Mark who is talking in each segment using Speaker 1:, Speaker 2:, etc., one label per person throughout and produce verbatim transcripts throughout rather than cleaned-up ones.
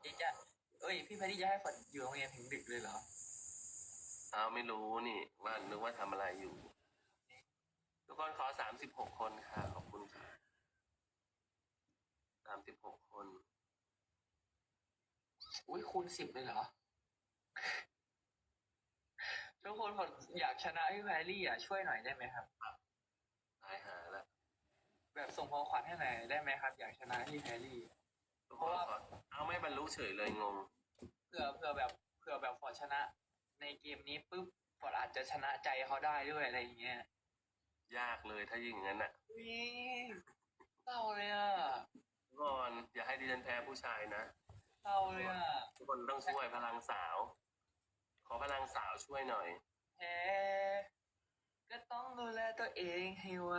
Speaker 1: พี่จะเอ้ยพี่แพทตี้จะให้ฝนอยู่โรงเรียนถึงดึกเลยเหรอ
Speaker 2: อ้าวไม่รู้นี่ว่านึกว่าทำอะไรอยู่ ทุกคนขอสามสิบหกคนค่ะขอบคุณค่ะสามสิบหกคน
Speaker 1: อุ้ยคูณสิบเลยเหรอทุกคนฝนอยากชนะพี่แพรรี่อ่ะช่วยหน่อยได้ไหมครับ
Speaker 2: ตายหาละ
Speaker 1: แบบส่งของขวัญให้หน่อยได้ไหมครับ อยากชนะพี่แพรรี่
Speaker 2: ทุกคนขอเอาไม่บรรลุเฉยเลยงง
Speaker 1: เผื่อเผื่อแบบเผื่อแบบฝนชนะในเกมนี้ปุ๊บฝนอาจจะชนะใจเขาได้ด้วยอะไรอย่างเงี้ย
Speaker 2: ยากเลยถ้ายิ่งอย่างนั้นอ่ะ
Speaker 1: วิเศร้าเลยอ่ะ
Speaker 2: ทุกคนอย่าให้ดิฉันแพ้ผู้ชายนะ
Speaker 1: เศร้าเลยอ่ะ
Speaker 2: ทุกคนต้องช่วยพลังสาว ขอพลังสาวช่วยหน่อย
Speaker 1: แพ้ก็ต้องดูแลตัวเองให้ไว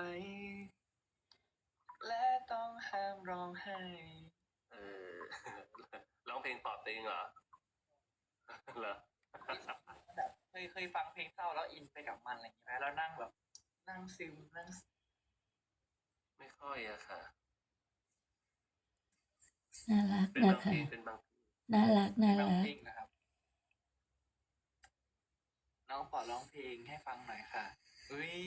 Speaker 1: และต้องห้ามร้องไห้
Speaker 2: เออร้องเพลงปลอบตัวเองเหรอเหรอ
Speaker 1: แบบเคยเคยฟังเพลงเศร้าแล้วอินไปกับมันอะไรอย่างเงี้ยแล้วนั่งแบบนั่งซึมนั่ง
Speaker 2: ไม่ค่อยอะค่ะ
Speaker 3: น่ารัก
Speaker 2: เป็น
Speaker 3: นะ
Speaker 2: บางเพล
Speaker 3: คะ
Speaker 2: งเป็นบางเพลง
Speaker 3: น่ารักน่า
Speaker 1: ร้อง
Speaker 3: รัก
Speaker 1: เพลงนะครับน้องขอร้องเพลงให้ฟังหน่อยค่ะอุ้ย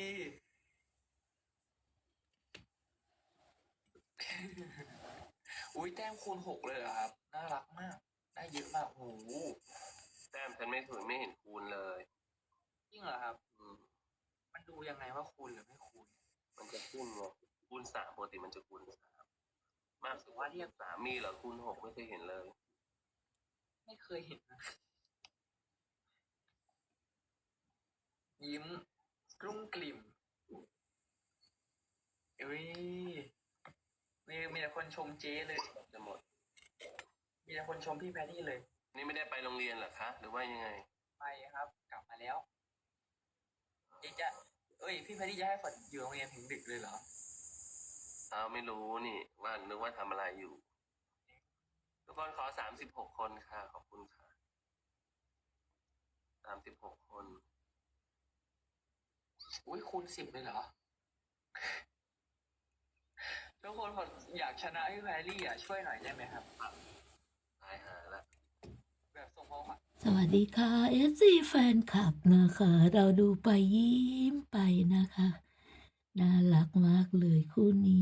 Speaker 1: อุ้ยแต้มคูณหกเลยเหรอครับน่ารักมากได้เยอะมากโอ้โห
Speaker 2: แต้มฉันไม่ถูกไม่เห็นคูณเลย
Speaker 1: จริงเหรอครับ
Speaker 2: อืม
Speaker 1: มันดูยังไงว่าคูณหรือไม่คูณ
Speaker 2: มันจะขึ้นไงคูณสามปกติมันจะคูณสามมากสุด
Speaker 1: ว่าเรียก
Speaker 2: สามมีเหรอคูณหกไม่เคยเห็นเลย
Speaker 1: ไม่เคยเห็นนะยิ้มกรุ้งกลิ่มเอ้ยมีมีแต่คนชมเจ๊เลย
Speaker 2: จะหมด
Speaker 1: มีแต่คนชมพี่แพทตี้เลย
Speaker 2: นี่ไม่ได้ไปโรงเรียนเหรอคะหรือว่ายังไง
Speaker 1: ไปครับกลับมาแล้วเจ๊จะเอ้ยพี่แพทตี้จะให้ฝนอยู่โรงเรียนถึงดึกเลยเหรอ
Speaker 2: อ้าวไม่รู้นี่ว่านึกว่าทำอะไรอยู่ ทุกคนขอสามสิบหกคนค่ะขอบคุณค่ะสามสิบหกคน
Speaker 1: อุ้ยคูณสิบเลยเหรอทุกคนฝนอยากชนะพี่แพรรี่อ่ะช่วยหน่อยได้ไหมครับ
Speaker 2: ตายหาละ
Speaker 1: แบบส่งของขวัญ
Speaker 3: สวัสดีค่ะ เอฟ ซี แฟนคลับนะคะ เราดูไปยิ้มไปนะคะ น่ารักมากเลยคู่นี้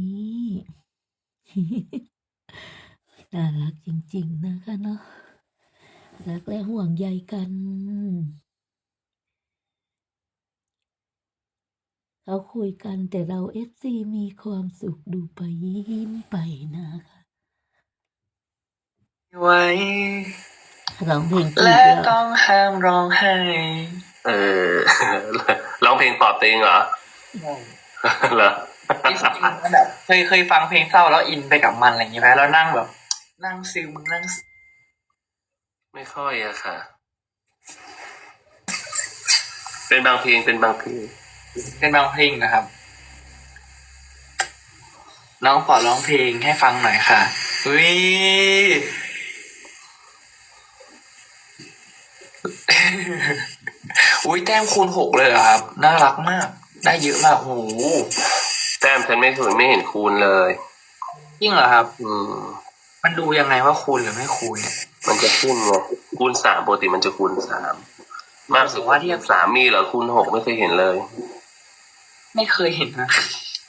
Speaker 3: น่ารักจริงๆนะคะเนาะรักและห่วงใยกัน เขาคุยกันแต่เรา เอฟ ซี มีความสุขดูไปยิ้มไปนะคะ
Speaker 1: ไว้
Speaker 3: ร้องเพลงจีบ
Speaker 1: และ
Speaker 3: แล้ว
Speaker 1: ต้องห้ามร้องไห้
Speaker 2: เออ ร้องเพลงปลอบตัวเองเหรอเหรอ
Speaker 1: จริงๆแบบเคยเคยฟังเพลงเศร้าแล้วอินไปกับมันอะไรอย่างเงี้ยแล้วนั่งแบบ นั่งซึมนั่ง
Speaker 2: ไม่ค่อยอะค่ะ เป็นบางเพลงเป็นบางเพลง
Speaker 1: เป็นบางเพลงนะครับน้องขอร้องเพลงให้ฟังหน่อยค่ะอุ้ย อุ้ยแต้มคูณหกเลยเหรอครับน่ารักมากได้เยอะมากโอ้โห
Speaker 2: แต้มฉันไม่ถูกไม่เห็นคูณเลย
Speaker 1: จริงเหรอครับ
Speaker 2: อืม
Speaker 1: มันดูยังไงว่าคูณหรือไม่คูณเนี่ย
Speaker 2: มันจะขึ้นไงคูณสามปกติมันจะคูณสามมากสุดว่าที่สามมีเหรอคูณหกไม่เคยเห็นเลย
Speaker 1: ไม่เคยเห็นนะ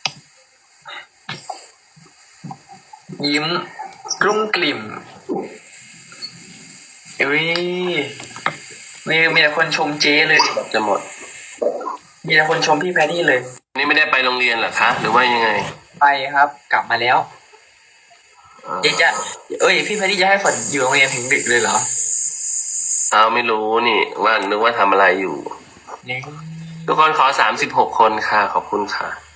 Speaker 1: ยิ้มกรุ้งกลิ่มเอ้ยมีมีแต่คนชมเจ๊เลย
Speaker 2: จะหมด
Speaker 1: มีแต่คนชมพี่แพทตี้เลย
Speaker 2: นี่ไม่ได้ไปโรงเรียนเหรอคะหรือว่ายังไง
Speaker 1: ไปครับกลับมาแล้วเจ๊จะเอ้ยพี่แพทตี้จะให้ฝนอยู่โรงเรียนถึงดึกเลยเหรอ
Speaker 2: อ้าวไม่รู้นี่ว่านึกว่าทำอะไรอยู่
Speaker 1: เนี่ย
Speaker 2: ทุกคนขอสามสิบหกคนค่ะขอบคุณค่ะ